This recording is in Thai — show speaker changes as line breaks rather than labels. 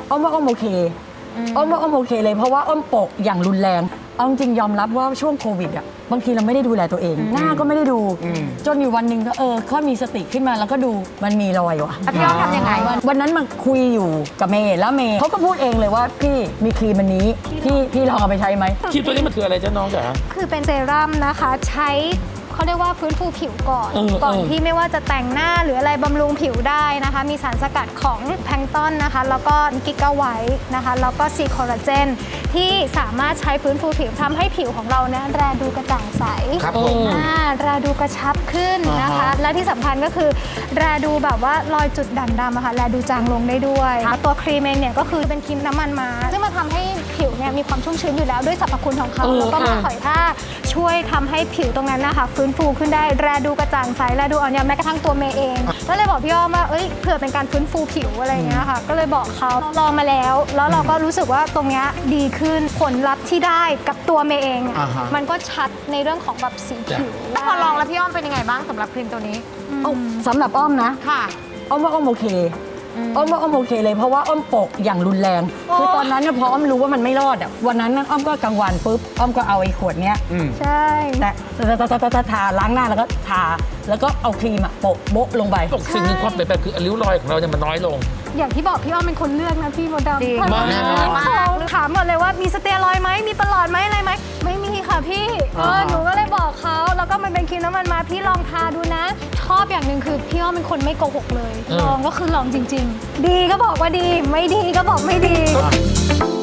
อ้อมว่าอ้อมโอเคอ้อมว่าอ้อมโอเคเลยเพราะว่าอ้อมโปะอย่างรุนแรงเอาจริงยอมรับว่าช่วงโควิดอ่ะบางทีเราไม่ได้ดูแลตัวเองหน้าก็ไม่ได้ดูจนอยู่วันหนึ่งก็ค่อยมีสติขึ้นมาแล้วก็ดูมันมีรอยว่ะ
พี่อ้อมทำยังไง
วันนั้นมาคุยอยู่กับเมย์แล้วเมย์เขาก็พูดเองเลยว่าพี่มีครีมอันนี้พี่ลองเอาไปใช้ไหม
ครีมตัวนี้มันคืออะไรจ๊ะน้องจ๋า
คือเป็นเซรั่มนะคะใช้เขาเรียกว่าฟื้นฟูผิวก่อนที่ไม่ว่าจะแต่งหน้าหรืออะไรบำรุงผิวได้นะคะมีสารสกัดของแพลงก์ตอนนะคะแล้วก็กิกาไวท์นะคะแล้วก็ซีคอลลาเจนที่สามารถใช้ฟื้นฟูผิวทำให้ผิวของเราเนี่ยแลดูกระจ่างใส
ครับผม
แลดูกระชับขึ้นนะคะและที่สำคัญก็คือแลดูแบบว่ารอยจุดด่างดำอะค่ะแลดูจางลงได้ด้วยตัวครีมเองเนี่ยก็คือเป็นครีมน้ำมันม้าซึ่งมาทำให้ผิวเนี่ยมีความชุ่มชื้นอยู่แล้วด้วยสรรพคุณของเขาแล้วก็มาถอยท่าช่วยทำให้ผิวตรงนั้นนะคะฟื้นฟูขึ้นได้แลดูกระจ่างใสแลดูอ่อนโยนแม้กระทั่งตัวเมย์เองก็เลยบอกพี่อ้อมว่าเผื่อเป็นการฟื้นฟูผิวอะไรอย่างเงี้ยค่ะก็เลยบอกเขาลองมาแล้วเราก็รู้สึกว่าตรงเนี้ยดีขึ้นผลลัพธ์ที่ได้กับตัวเมย์เองมันก็ชัดในเรื่องของแบบสีผิว
พอลองแล้วพี่อ้อมเป็นยังไงบ้างสำหรับครีมตัวนี้
สำหรับอ้อมนะ
ค่ะ
อ้อมว่าอ้อมโอเคอ้อมว่าอ้อมโอเคเลยเพราะว่าอ้อมโปะอย่างรุนแรงคือตอนนั้นเนี่ยพออ้อมรู้ว่ามันไม่รอดอ่ะวันนั้นอ้อมก็กลางวันปุ๊บอ้อมก็เอาไอ้ขวดเนี้ย
ใช่
แต่ทาล้างหน้าแล้วก็ทาแล้วก็เอาครีมอะโปะโบ๊ะลงไป
สิ่งหนึ่งความเปลี่ยนแปลงคือริ้วรอยของเราเนี่ยมันน้อยลง
อย่างที่บอกพี่อ้อมเป็นคนเลือกนะพี่มดดำ
มาก
ถามหมดเลยว่ามีสเตียรอยด์ไหมมีประหลอดไหมอะไรไหมไม่มีค่ะพี่หนูก็เลยบอกเขาแล้วก็มันเป็นครีมน้ำมันมาพี่ลองทาดูนะชอบอย่างหนึ่งคือพี่อ้อมเป็นคนไม่โกหกเลยลองก็คือลองจริงๆดีก็บอกว่าดีไม่ดีก็บอกไม่ดี